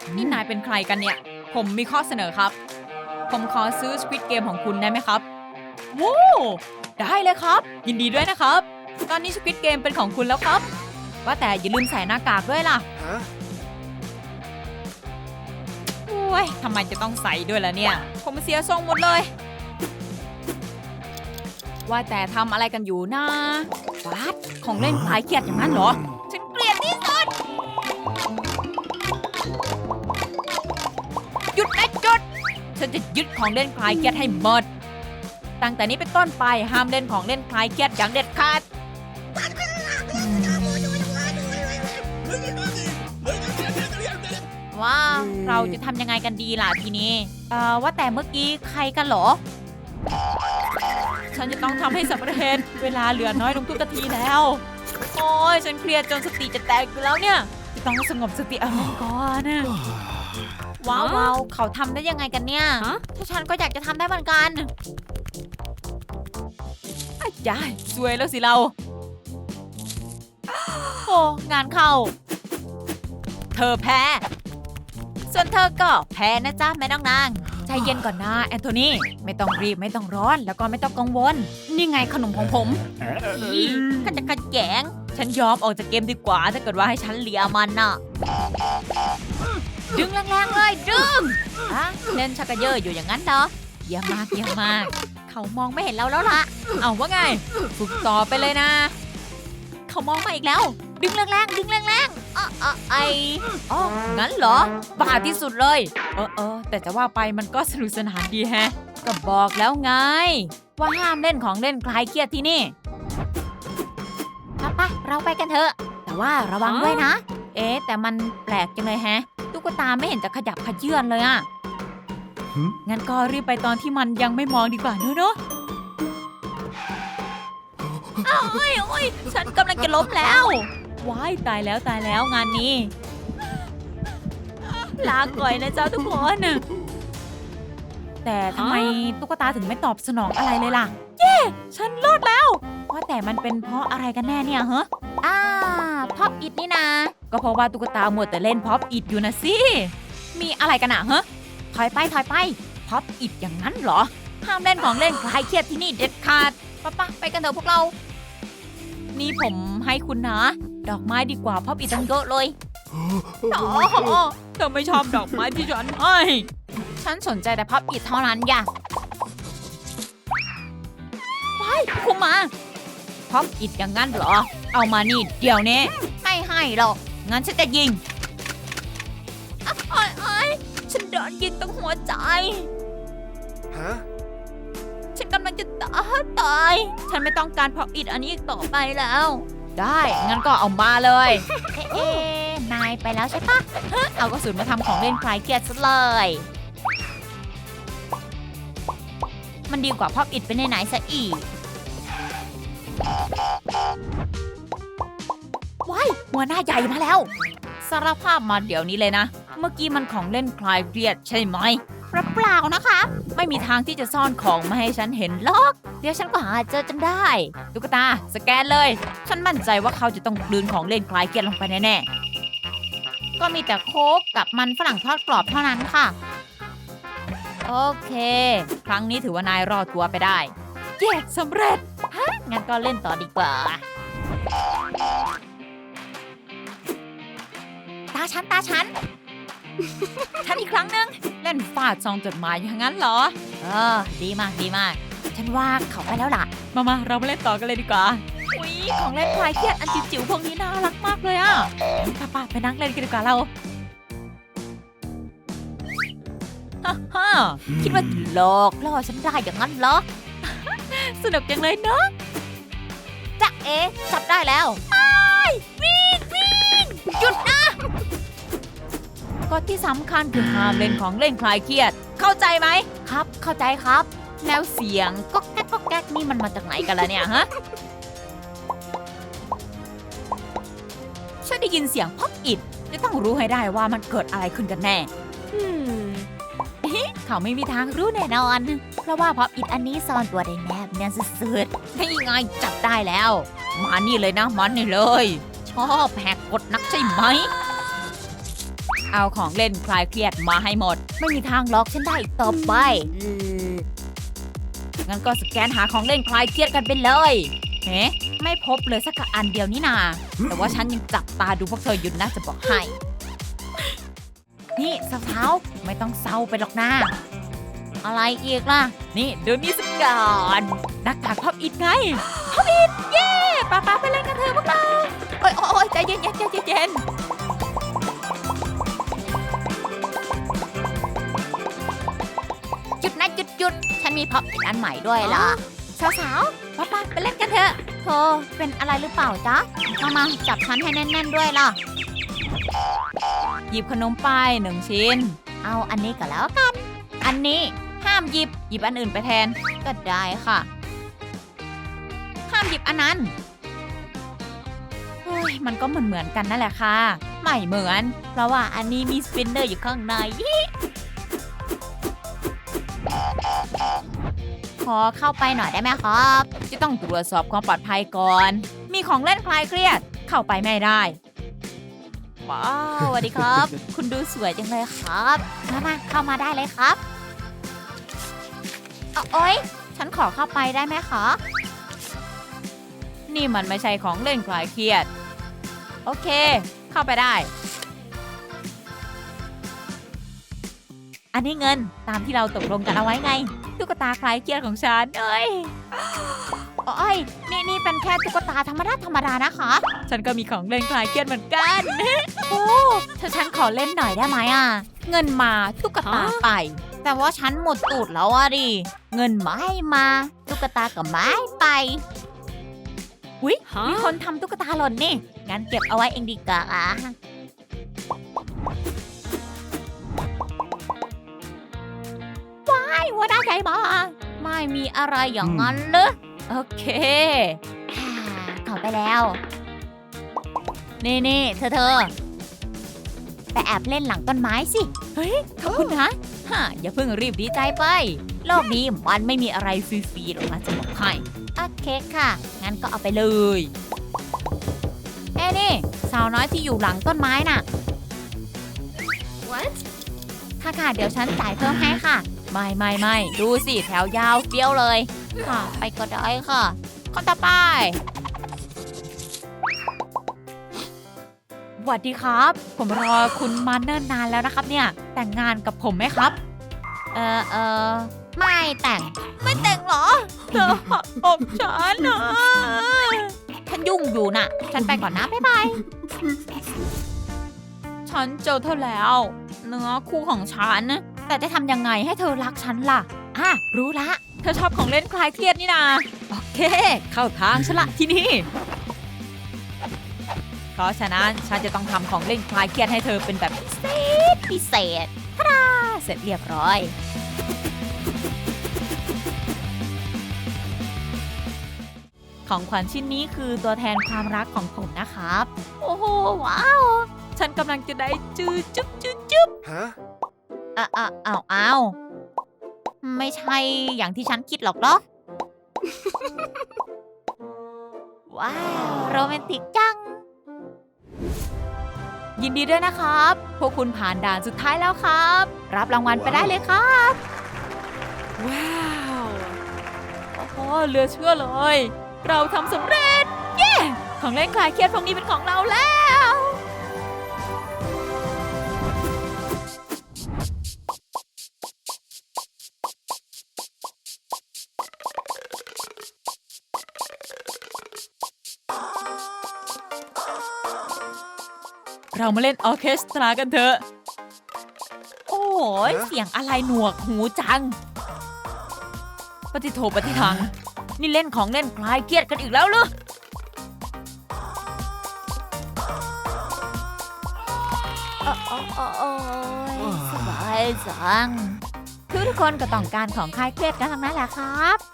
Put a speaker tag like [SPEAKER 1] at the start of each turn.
[SPEAKER 1] นี่นายเป็นใครกันเนี่ย ผมมีข้อเสนอครับ ผมขอซื้อ Squid Game ของคุณได้ไหมครับว้าวได้เลยครับ ยินดีด้วยนะครับ ตอนนี้ Squid Game เป็นของคุณแล้วครับ ว่าแต่อย่าลืมใส่หน้ากากด้วยล่ะ โอ้ยทำไมจะต้องใส่ด้วยล่ะเนี่ย ผมเสียทรงหมดเลย ว่าแต่ทำอะไรกันอยู่นะวัดของเล่นคลายเครียดอย่างนั้นเหรอ ฉันเกลียดที่สุด หยุดนะจุด ฉันจะยึดของเล่นคลายเครียดให้หมด ตั้งแต่นี้เป็นต้นไปห้ามเล่นของเล่นคลายเครียดอย่างเด็ดขาด ว้าวเราจะทำยังไงกันดีล่ะทีนี้ว่าแต่เมื่อกี้ใครกันเหรอ ฉันจะต้องทำให้สำเร็จเวลาเหลือน้อยลงทุกนาทีแล้ว โอ้ยฉันเครียดจนสติจะแตกอยู่แล้วเนี่ยจะต้องสงบสติอารมณ์ก่อนนะว้าวเขาทำได้ยังไงกันเนี่ยถ้าฉันก็อยากจะทำได้เหมือนกันอาจารย์สวยแล้วสิเราโอ้งานเข้าเธอแพ้ส่วนเธอก็แพ้นะจ๊ะแม่น้องนางใจเย็นก่อนนะแอนโทนีไม่ต้องรีบไม่ต้องร้อนแล้วก็ไม่ต้องกังวลนี่ไงขนมของผมก็จะขัดแย้งฉันยอมออกจากเกมดีกว่าถ้าเกิดว่าให้ฉันเลียมันน่ะดึงแรงๆเลยดึงเล่นชักกระเยอะอยู่อย่างนั้นเหรอเยี่ยมมากเยี่ยมมากเขามองไม่เห็นเราแล้วล่ะเอาว่าไงฝึกต่อไปเลยนะเขามองมาอีกแล้วดึงแรงๆดึงแรงๆอ๋องั้นเหรอบ้าที่สุดเลยแต่จะว่าไปมันก็สนุกสนานดีแฮะก็บอกแล้วไงว่าห้ามเล่นของเล่นคลายเครียดที่นี่ไปเราไปกันเถอะแต่ว่าระวังด้วยนะแต่มันแปลกจังเลยแฮะตุ๊กตาไม่เห็นจะขยับขยื่นเลยอ่ะงั้นก็รีบไปตอนที่มันยังไม่มองดีกว่าเนอะโอ้ยฉันกำลังจะล้มแล้วว้ายตายแล้วงานนี้ลาก่อยนะเจ้าทุกคนแต่ทำไมตุ๊กตาถึงไม่ตอบสนองอะไรเลยล่ะเย้ฉันรอดแล้วว่าแต่มันเป็นเพราะอะไรกันแน่เนี่ยฮะพ็อปอิดนี่นะก็เพราะว่าตุ๊กตาหมดแต่เล่นพ็อปอิดอยู่นะสิมีอะไรกันอะฮะถอยไปพ็อปอิดอย่างนั้นเหรอห้ามเล่นของเล่นคลายเครียดที่นี่เด็ดขาดไปกันเถอะพวกเรานี่ผมให้คุณนะดอกไม้ดีกว่าพ็อปอิดตั้งเยอะเลยเธอไม่ชอบดอกไม้ที่ฉันให้ฉันสนใจแต่พ็อปอิดเท่านั้นอย่าไปคุณมาพ็อปอิดอย่างนั้นเหรอเอามานี่เดี๋ยวนี้ไม่ให้หรอกงั้นฉันจะยิงฉันโดนยิงตรงหัวใจฉันกำลังจะตายฉันไม่ต้องการพ็อปอิดอันนี้อีกต่อไปแล้วได้งั้นก็เอามาเลยนายไปแล้วใช่ปะเอากระสุนมาทำของเล่นคลายเครียดซะเลยมันดีกว่าพ็อปอิดไปไหนซะอีกว้ายหัวหน้าใหญ่มาแล้วสารภาพมาเดี๋ยวนี้เลยนะเมื่อกี้มันของเล่นคลายเครียดใช่ไหมเปล่านะคะไม่มีทางที่จะซ่อนของมาให้ฉันเห็นหรอกเดี๋ยวฉันก็หาเจอจนได้ตุ๊กตาสแกนเลยฉันมั่นใจว่าเขาจะต้องกลืนของเล่นคลายเครียดลงไปแน่ๆก็มีแต่โค้กกับมันฝรั่งทอดกรอบเท่านั้นค่ะโอเคครั้งนี้ถือว่านายรอดตัวไปได้เย้สำเร็จงั้นก็เล่นต่อดีกว่าตาฉันอีกครั้งนึงเล่นฟาดซองจดหมายอย่างนั้นเหรอดีมากฉันว่าเขาไปแล้วล่ะมาเรามาเล่นต่อกันเลยดีกว่าอุ๊ยของเล่นคลายเครียดอันจิ๋วๆพวกนี้น่ารักมากเลยอ่ะป้าไปนั่งเล่นกันดีกว่าเราฮ่าคิดว่าหลอกล่อฉันได้อย่างนั้นเหรอสนุกจังเลยเนาะจ๊ะจับได้แล้ววิ่งหยุดนะกฎที่สำคัญคือห้ามเล่นของเล่นคลายเครียดเข้าใจไหมครับเข้าใจครับแล้วเสียงก็แก๊กนี่มันมาจากไหนกันล่ะเนี่ยฮะฉันได้ยินเสียงพ็อปอิดจะต้องรู้ให้ได้ว่ามันเกิดอะไรขึ้นกันแน่เขาไม่มีทางรู้แน่นอนเพราะว่าพ็อปอิดอันนี้ซ่อนตัวได้แนบเนียนสุดๆนี่ไงจับได้แล้วมานี่เลยนะมันนี่เลยชอบแหกกฎนักใช่ไหมเอาของเล่นคลายเครียดมาให้หมดไม่มีทางล็อกฉันได้อีกต่อไปงั้นก็สแกนหาของเล่นคลายเครียดกันไปเลยเฮ้ไม่พบเลยสักอันเดียวนี่นาแต่ว่าฉันยังจับตาดูพวกเธออยู่นะจะบอกให้นี่สาวๆไม่ต้องเศร้าไปหรอกนะอะไรอีกล่ะนี่ดูนี่สักก่อนหน้ากากพับอิดไงพับอิดเย้ป้าไปเล่นกันเถอะพวกเราโอ๊ยใจเย็นใจเย็นหยุดนะหยุดฉันมีพับอิดอันใหม่ด้วยล่ะสาวๆป้าไปเล่นกันเถอะเธอเป็นอะไรหรือเปล่าจ๊ะมาจับฉันให้แน่นๆด้วยล่ะหยิบขนมไป1 ชิ้นเอาอันนี้ก็แล้วกันอันนี้ห้ามหยิบอันอื่นไปแทนก็ได้ค่ะห้ามหยิบอันนั้นเฮ้ยมันก็เหมือนกันนั่นแหละค่ะไม่เหมือนเพราะว่าอันนี้มีสปินเนอร์อยู่ข้างในขอเข้าไปหน่อยได้ไหมครับจะต้องตรวจสอบความปลอดภัยก่อนมีของเล่นคลายเครียดเข้าไปไม่ได้ว้าวสวัสดีครับ คุณดูสวยจังเลยครับมาเข้ามาได้เลยครับโอ๊ยฉันขอเข้าไปได้ไหมคะนี่มันไม่ใช่ของเล่นคลายเครียดโอเคเข้าไปได้อันนี้เงินตามที่เราตกลงกันเอาไว้ไงตุ๊กตาคลายเครียดของฉันโอ้ยนี่เป็นแค่ตุ๊กตาธรรมดานะคะฉันก็มีของเล่นคลายเครียดเหมือนกันโอ้ถ้าฉันขอเล่นหน่อยได้ไหมอ่ะเงินมาตุ๊กตาไปแต่ว่าฉันหมดตูดแล้วอ่ะดิเงินไม่มาตุ๊กตากับไม้ไปอุ๊ยมีคนทำตุ๊กตาหล่นนี่งั้นเก็บเอาไว้เองดีกว่าว้ายหัวหน้าใหญ่มาไม่มีอะไรอย่างนั้นเลยโอเคเข้าไปแล้วนี่เธอไปแอบเล่นหลังต้นไม้สิเฮ้ยขอบคุณนะอย่าเพิ่งรีบดีใจไปโลกนี้มันไม่มีอะไรฟรีๆหรอกนะจะบอกให้โอเคค่ะงั้นก็เอาไปเลยนี่สาวน้อยที่อยู่หลังต้นไม้น่ะ What ค่ะเดี๋ยวฉันจ่ายเพิ่มให้ค่ะไม่ดูสิแถวยาวเฟี้ยวเลยค่ะไปก็ได้ค่ะคนต่อไปสวัสดีครับผมรอคุณมาเนิ่นนานแล้วนะครับเนี่ยแต่งงานกับผมไหมครับไม่แต่งเหรอเธอหักอกฉันนะฉันยุ่งอยู่น่ะฉันไปก่อนนะบ๊ายบายฉันเจอเธอแล้วเนื้อคู่ของฉันแต่จะทำยังไงให้เธอรักฉันล่ะรู้ละเธอชอบของเล่นคลายเครียดนี่นาโอเคเข้าทางฉันละที่นี่เพราะฉะนั้นฉันจะต้องทำของเล่นคลายเครียดให้เธอเป็นแบบพิเศษทาดาเสร็จเรียบร้อยของขวัญชิ้นนี้คือตัวแทนความรักของผมนะครับโอ้โหว้าวฉันกำลังจะได้จุ๊บฮะอ้าวไม่ใช่อย่างที่ฉันคิดหรอกเหรอ ว้าวโรแมนติกจังยินดีด้วยนะครับพวกคุณผ่านด่านสุดท้ายแล้วครับรับรางวัลไปได้เลยครับว้าวโอ้โหเหลือเชื่อเลยเราทำสำเร็จเย้ของเล่นคลายเครียดพวกนี้เป็นของเราแล้วเรามาเล่นออร์เคสตรากันเถอะโอ้ยเสียงอะไรหนวกหูจังปฏิโทปฏิทังนี่เล่นของเล่นคลายเครียดกันอีกแล้วเหรอสบายจังทุกคนก็ต้องการของคลายเครียดกันทั้งนั้นแหละครับ